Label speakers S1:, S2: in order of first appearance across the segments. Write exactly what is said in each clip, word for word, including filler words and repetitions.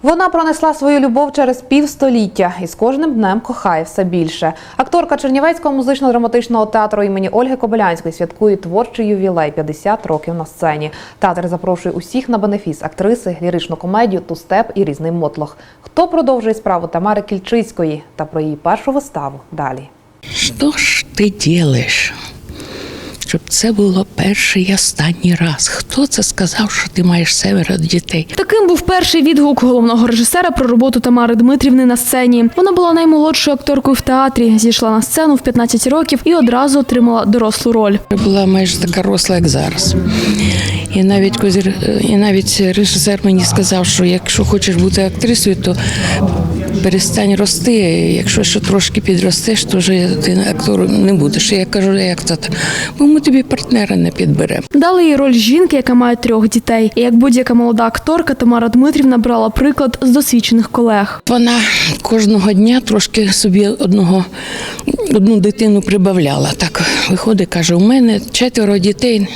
S1: Вона пронесла свою любов через півстоліття і з кожним днем кохає все більше. Акторка Чернівецького музично-драматичного театру імені Ольги Кобилянської святкує творчий ювілей – п'ятдесят років на сцені. Театр запрошує усіх на бенефіс – актриси, ліричну комедію, ту-степ і різний мотлох. Хто продовжує справу Тамари Кільчицької та про її першу виставу далі.
S2: Що ж ти робиш? Щоб це було перший і останній раз. Хто це сказав, що ти маєш семеро дітей?
S3: Таким був перший відгук головного режисера про роботу Тамари Дмитрівни на сцені. Вона була наймолодшою акторкою в театрі, зійшла на сцену в п'ятнадцять років і одразу отримала дорослу роль.
S2: Я була майже така росла, як зараз. І навіть, і навіть режисер мені сказав, що якщо хочеш бути актрисою, то перестань рости. Якщо ще трошки підростеш, то вже ти актором не будеш. І я кажу, як це так? Бо ми тобі партнера не підберемо.
S3: Дали їй роль жінки, яка має трьох дітей. І як будь-яка молода акторка, Тамара Дмитрівна брала приклад з досвідчених колег.
S2: Вона кожного дня трошки собі одного, одну дитину прибавляла. Так виходить, каже, у мене четверо дітей.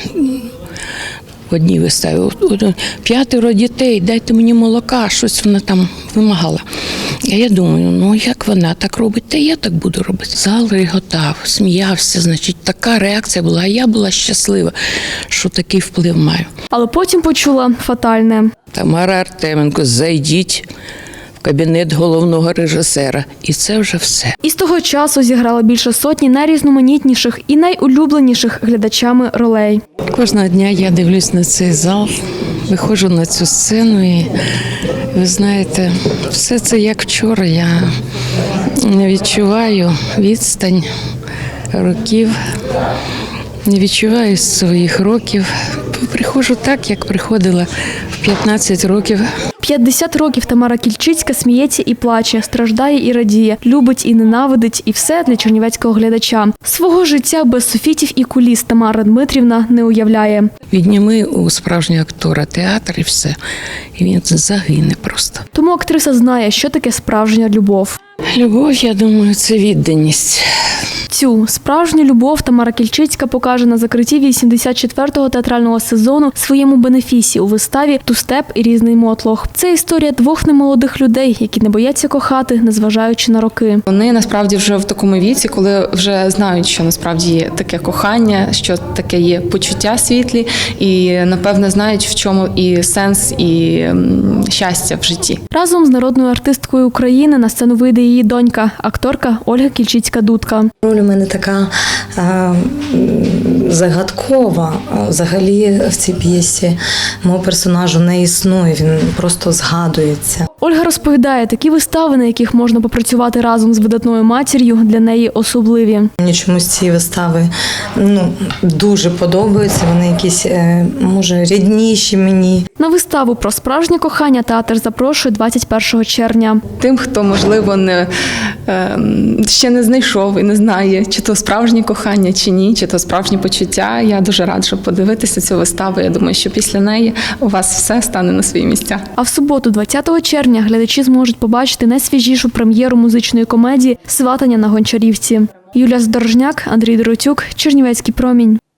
S2: В одній виставі. П'ятеро дітей, дайте мені молока, щось вона там вимагала. А я думаю, ну як вона так робить, та я так буду робити. Зал реготав, сміявся, значить, така реакція була. А я була щаслива, що такий вплив маю.
S3: Але потім почула фатальне.
S2: Тамара Артеменко, зайдіть в кабінет головного режисера. І це вже все.
S3: І з того часу зіграла більше сотні найрізноманітніших і найулюбленіших глядачами ролей.
S2: Кожного дня я дивлюсь на цей зал, виходжу на цю сцену і, ви знаєте, все це як вчора. Я не відчуваю відстань років, не відчуваю своїх років. Приходжу так, як приходила в п'ятнадцять років.
S3: п'ятдесят років Тамара Кільчицька сміється і плаче, страждає і радіє, любить і ненавидить, і все для чернівецького глядача. Свого життя без софітів і куліс Тамара Дмитрівна не уявляє.
S2: Відніми у справжнього актора театр і все, і він загине просто.
S3: Тому актриса знає, що таке справжня любов.
S2: Любов, я думаю, це відданість.
S3: Цю справжню любов Тамара Кільчицька покаже на закритті вісімдесят четвертого театрального сезону своєму бенефісі у виставі «Ту-степ і різний мотлох». Це історія двох немолодих людей, які не бояться кохати, незважаючи на роки.
S4: Вони насправді вже в такому віці, коли вже знають, що насправді є таке кохання, що таке є почуття світлі, і напевно знають, в чому і сенс, і щастя в житті.
S3: Разом з народною артисткою України на сцену вийде її донька, акторка Ольга Кільчицька-Дудка.
S5: Роль у мене така а, загадкова. Взагалі в цій п'єсі мого персонажу не існує, він просто згадується.
S3: Ольга розповідає, такі вистави, на яких можна попрацювати разом з видатною матір'ю, для неї особливі.
S5: Мені чомусь ці вистави ну, дуже подобаються, вони якісь, може, рідніші мені.
S3: На виставу про справжнє кохання театр запрошує двадцять першого червня.
S4: Тим, хто, можливо, не, ще не знайшов і не знає, чи то справжнє кохання, чи ні, чи то справжнє почуття, я дуже раджу подивитися цю виставу. Я думаю, що після неї у вас все стане на свої місця.
S3: А в суботу, двадцятого червня, глядачі зможуть побачити найсвіжішу прем'єру музичної комедії «Сватання на Гончарівці». Юлія Здорожняк, Андрій Доротюк, Чернівецький промінь.